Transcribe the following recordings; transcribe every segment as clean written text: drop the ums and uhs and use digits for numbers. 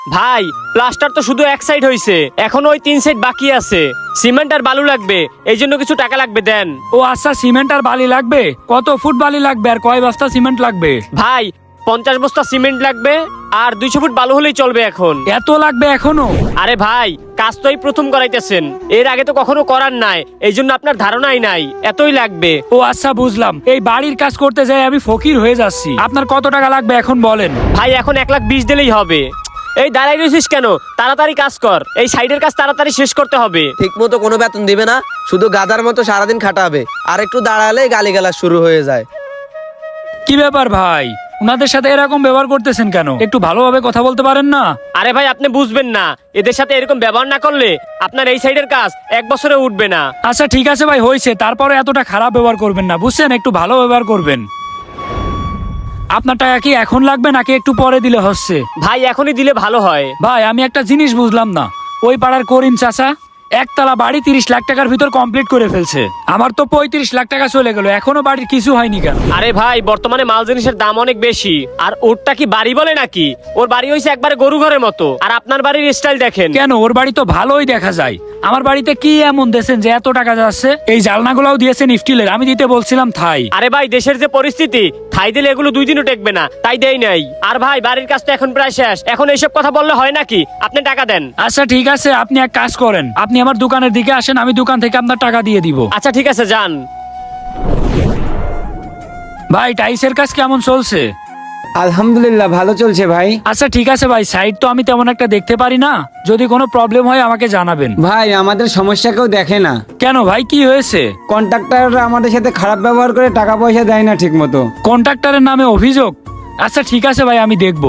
ভাই প্লাস্টার তো শুধু এক সাইড হইছে, এখন ওই 3 সাইড বাকি আছে। সিমেন্ট আর বালু লাগবে, এই জন্য কিছু টাকা লাগবে, দেন। ও আচ্ছা, সিমেন্ট আর বালি লাগবে। কত ফুট বালি লাগবে আর কয় বস্তা সিমেন্ট লাগবে? ভাই 50 বস্তা সিমেন্ট লাগবে আর 200 ফুট বালু হলেই চলবে এখন। এত লাগবে এখনো? আরে ভাই কাজ তো এই প্রথম করাইতেছেন, এর আগে তো কখনো করার নাই, এই জন্য আপনার ধারণাই নাই, এতই লাগবে। ও আচ্ছা বুঝলাম। এই বাড়ির কাজ করতে যাই আমি ফকির হয়ে যাচ্ছি। আপনার কত টাকা লাগবে এখন বলেন? ভাই এখন 1,20,000 দিলেই হবে। এই দাঁড়াই রয়েছিস কেন, তাড়াতাড়ি কাজ কর, এই সাইডের কাজ তাড়াতাড়ি শেষ করতে হবে। ঠিক মতো কোনো বেতন দিবে না, শুধু গাধার মতো সারাদিন খাটাবে, আর একটু দাঁড়ালেই গালিগালাজ শুরু হয়ে যায়। কি ব্যাপার ভাই, উনাদের সাথে এরকম ব্যবহার করতেছেন কেন? একটু ভালোভাবে কথা বলতে পারেন না? আরে ভাই আপনি বুঝবেন না, এদের সাথে এরকম ব্যবহার না করলে আপনার এই সাইডের কাজ 1 বছরে উঠবে না। আচ্ছা ঠিক আছে ভাই, হয়েছে, তারপরে এতটা খারাপ ব্যবহার করবেন না, বুঝছেন? একটু ভালো ব্যবহার করবেন। আপনার টাকা কি এখন লাগবে নাকি একটু পরে দিলে হচ্ছে? ভাই এখনই দিলে ভালো হয়। ভাই আমি একটা জিনিস বুঝলাম না, ওই পাড়ার করিম চাচা একতলা বাড়ি 30 লাখ টাকার ভিতর কমপ্লিট করে ফেলছে, আমার তো 35 লাখ টাকা চলে গেল, এখনো বাড়ির কিছু হয়নি কেন? আরে ভাই বর্তমানে মাল জিনিসের দাম অনেক বেশি, আর ওরটা কি বাড়ি বলে নাকি? ওর বাড়ি হইছে একবারে গরু ঘরের মতো, আর আপনার বাড়ির স্টাইল দেখেন। কেন, ওর বাড়ি তো ভালোই দেখা যায়। আমার বাড়িতে কি এমন দেন যে এত টাকা যাচ্ছে? এই জালনাগুলাও দিয়েছেন স্টিলের, আমি দিতে বলছিলাম থাই। আরে ভাই দেশের যে পরিস্থিতি, থাই দিলে এগুলো 2 দিনও টেকবে না, তাই দেই নাই। আর ভাই বাড়ির কাজ তো এখন প্রায় শেষ, এখন এইসব কথা বললে হয় নাকি? আপনি টাকা দেন। আচ্ছা ঠিক আছে, আপনি এক কাজ করেন, আপনি আমার দোকানের দিকে আসেন, আমি দোকান থেকে আপনার টাকা দিয়ে দিব। আচ্ছা ঠিক আছে যান। ভাই টাইসের কাজ কেমন চলছে? আলহামদুলিল্লাহ ভালো চলছে ভাই। আচ্ছা ঠিক আছে ভাই, সাইড তো আমি তেমন একটা দেখতে পারি না, যদি কোনো প্রবলেম হয় আমাকে জানাবেন। ভাই আমাদের সমস্যা কেউ দেখে না। কেন ভাই, কি হয়েছে? কন্ট্রাক্টররা আমাদের সাথে খারাপ ব্যবহার করে, টাকা পয়সা দেয় না ঠিক মতো। কন্ট্রাক্টরের নামে অভিযোগ? আচ্ছা ঠিক আছে ভাই, আমি দেখব।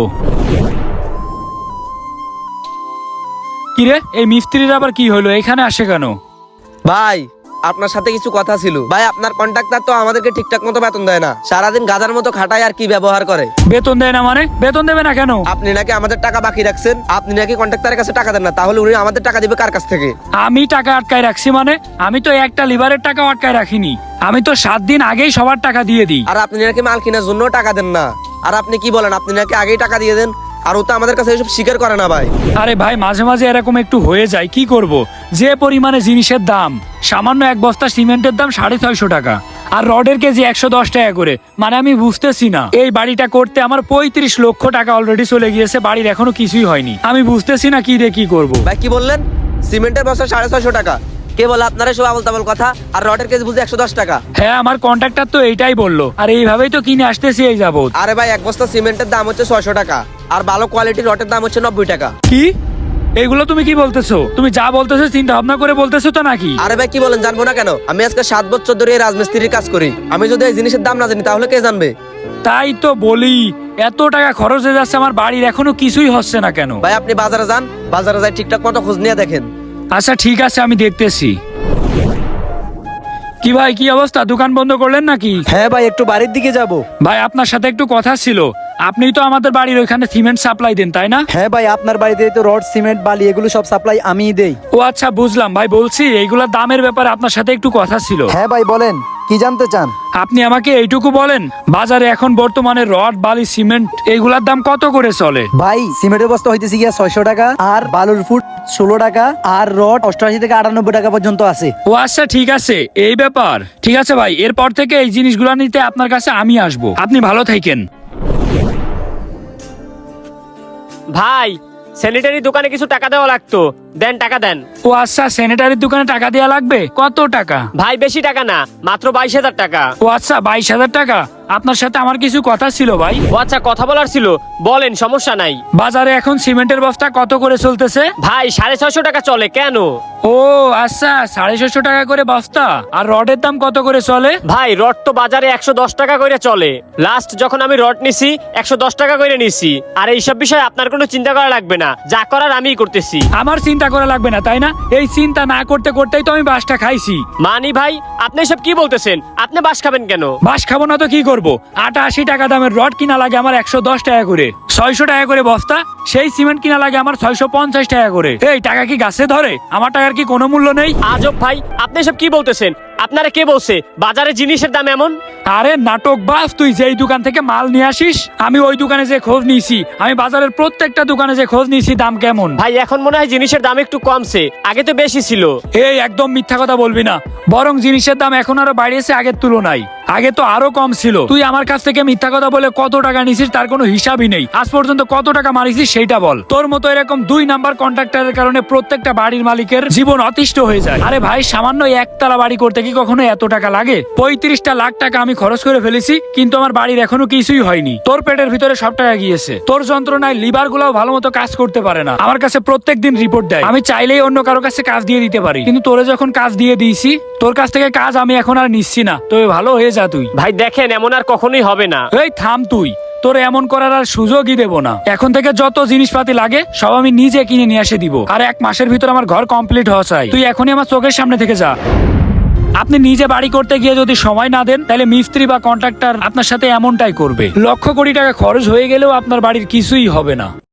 কিরে, এই মিস্ত্রির আবার কি হলো, এখানে আসে কেন? ভাই আপনার সাথে কিছু কথা ছিল। ভাই আপনার কন্ট্রাক্টর তো আমাদেরকে ঠিকঠাক মতো বেতন দেয় না, সারাদিন গাধার মতো খাটায় আর কি ব্যবহার করে। বেতন দেয় না মানে? বেতন দেবে না কেন? আপনি নাকি আমাদের টাকা বাকি রাখছেন, আপনি নাকি কন্ট্রাক্টরের কাছে টাকা দেন না, তাহলে উনি আমাদের টাকা দিবে কার কাছ থেকে? আমি টাকা আটকায় রাখছি মানে? আমি তো একটা লিভারের টাকা আটকায় রাখিনি, আমি তো 7 দিন আগেই সবার টাকা দিয়ে দিই। আর আপনি নাকি মাল কেনার জন্য টাকা দেন না, আর আপনি কি বলেন, আপনি নাকি আগেই টাকা দিয়ে দেন, আর ও তো আমাদের কাছে এসব স্বীকার করে না ভাই। আরে ভাই মাঝে মাঝে এরকম একটু হয়ে যায়, কি করব? যে পরিমাণে জিনিসের দাম, সামান্য এক বস্তা সিমেন্টের দাম 650 টাকা, আর রডের কেজি 110 টাকা করে, মানে আমি বুঝতেছি না, এই বাড়িটা করতে আমার 35 লক্ষ টাকা অলরেডি চলে গিয়েছে, বাড়ির এখনো কিছুই হয়নি, আমি বুঝতেছি না কি রে কি করব। ভাই কি বললেন? সিমেন্টের বস্তা 650 টাকা? কে বলে আপনারা সব আবল তাবল কথা? আর রডের কেজি বুঝতে 110 টাকা? হ্যাঁ আমার কন্ট্রাক্টর তো এইটাই বললো, আর এইভাবেই তো কিনে আসতেছি এই যাবত। আরে ভাই এক বস্তা সিমেন্টের দাম হচ্ছে 600 টাকা, আর ভালো কোয়ালিটির রডের দাম হচ্ছে 90 টাকা। কি এগুলো তুমি কি বলতেছো? তুমি যা বলতেছো চিন্তা ভাবনা করে বলতেছো তো নাকি? আরে ভাই কি বলেন, জানবো না কেন? আমি আজকে 7 বছর ধরে এই রাজমিস্ত্রির কাজ করি, আমি যদি এই জিনিসের দাম না জানি তাহলে কে জানবে? তাই তো বলি, এত টাকা খরচ হয়ে যাচ্ছে, আমার বাড়ির এখনো কিছুই হচ্ছে না কেন? ভাই আপনি বাজারে যান, বাজারে যাই ঠিকঠাক মতো খোঁজ নিয়ে দেখেন। আচ্ছা ঠিক আছে, আমি দেখতেছি। কি ভাই, কি অবস্থা, দোকান বন্ধ করলেন নাকি? হ্যাঁ ভাই, একটু বাড়ির দিকে যাব। ভাই আপনার সাথে একটু কথা ছিল, আপনিই তো আমাদের বাড়ির ওইখানে সিমেন্ট সাপ্লাই দেন তাই না? হ্যাঁ ভাই, আপনার বাড়িতে তো রড, সিমেন্ট, বালি এগুলো সব সাপ্লাই আমিই দেই। ও আচ্ছা বুঝলাম ভাই, বলছি এইগুলা দামের ব্যাপারে আপনার সাথে একটু কথা ছিল। হ্যাঁ ভাই বলেন, কি জানতে চান? আপনি আমাকে এইটুকু বলেন, বাজারে এখন বর্তমানে রড, বালি, সিমেন্ট এইগুলার দাম কত করে চলে? ভাই সিমেন্টের বস্তা হইতেছে গিয়া 600 টাকা, আর বালুর ফুট 16 টাকা, আর রড 88 থেকে 98 টাকা পর্যন্ত আছে। ও আচ্ছা ঠিক আছে, এই ব্যাপার। ঠিক আছে ভাই, এরপর থেকে এই জিনিসগুলো নিতে আপনার কাছে আমি আসবো, আপনি ভালো থাকেন। ভাই স্যানিটারি দোকানে কিছু টাকা দেওয়া লাগতো, দেন টাকা দেন। ও আচ্ছা, স্যানিটারির দোকানে টাকা দেওয়া লাগবে, কত টাকা? ভাই বেশি টাকা না, মাত্র 22,000 টাকা। ও আচ্ছা 22,000 টাকা। আপনার সাথে আমার কিছু কথা ছিল ভাই। ও আচ্ছা কথা বলার ছিল, বলেন, সমস্যা নাই। বাজারে এখন সিমেন্টের বস্তা কত করে চলতেছে? ভাই 650 টাকা চলে। কেন? ও আচ্ছা, 650 টাকা করে বস্তা। আর রডের দাম কত করে চলে? ভাই রড তো বাজারে 110 টাকা করে চলে, লাস্ট যখন আমি রড নিছি 110 টাকা করে নিছি। আর এইসব বিষয়ে আপনার কোনো চিন্তা করা লাগবে না, যা করার আমিই করতেছি। আমার চিন্তা করা লাগবে না তাই না? এই চিন্তা না করতে করতেই তো আমি বাসটা খাইছি। মানি ভাই আপনি এসব কি বলতেছেন? আপনি বাস খাবেন কেন? বাস খাবো না তো কি করব? 88 টাকা দামের রড কিনা লাগে আমার 110 টাকা করে, 600 টাকা করে বস্তা। সেই সিমেন্ট কিনা লাগে আমার 650 টাকা করে। এই টাকা কি গাছে ধরে? আমার টাকার কি কোনো মূল্য নেই? আজব ভাই, আপনি এসব কি বলতেছেন? আপনারা কে বলছে বাজারে জিনিসের দাম এমন? আরে নাটক বাস, তুই যেই দোকান থেকে মাল নিয়ে আসিস আমি ওই দোকানে যে খোঁজ নিয়েছি, আমি বাজারের প্রত্যেকটা দোকানে যে খোঁজ নিয়েছি দাম কেমন। ভাই এখন মনে হয় জিনিসের দাম একটু কমছে, আগে তো বেশি ছিল। এই একদম মিথ্যা কথা বলবি না, বরং জিনিসের দাম এখন আরো বাড়িয়েছে আগের তুলনায়। আগে তো আরো কম ছিল। তুই আমার কাছ থেকে মিথ্যা কথা বলে কত টাকা নিছিস তার কোনো হিসাবই নেই। আজ পর্যন্ত কত টাকা মারিছিস সেইটা বল। তোর মতো এরকম 2 নাম্বার কন্ট্রাক্টরের কারণে প্রত্যেকটা বাড়ির মালিকের জীবন অতিষ্ঠ হয়ে যায়। আরে ভাই, সামান্য একতলা বাড়ি করতে কি কখনো এত টাকা লাগে? 35টা লাখ টাকা আমি খরচ করে ফেলেছি, কিন্তু আমার বাড়ির এখনো কিছুই হয়নি। তোর পেটের ভিতরে সব টাকা গিয়েছে। তোর যন্ত্রণায় লিভার গুলাও ভালো মতো কাজ করতে পারে না। আমার কাছে প্রত্যেকদিন রিপোর্ট দেয়। আমি চাইলেই অন্য কারো কাছে কাজ দিয়ে দিতে পারি, কিন্তু তোরে যখন কাজ দিয়ে দিয়েছি, তোর কাছ থেকে কাজ আমি এখন আর নিচ্ছি না। তবে ভালো হয়ে যা তুই। ভাই দেখেন, এমন আর কখনোই হবে না। এই থাম তুই, তোর এমন করার আর সুযোগই দেব না। এখন থেকে যত জিনিসপাতি লাগে সব আমি নিজে কিনে নিয়ে এসে দিব। আর 1 মাসের ভিতর আমার ঘর কমপ্লিট হওয়া চাই। তুই এখনই আমার চোখের সামনে থেকে যা। আপনি নিজে বাড়ি করতে গিয়ে যদি সময় না দেন, তাহলে মিস্ত্রি বা কন্ট্রাক্টর আপনার সাথে এমনটাই করবে। লক্ষ কোটি টাকা খরচ হয়ে গেলেও আপনার বাড়ির কিছুই হবে না।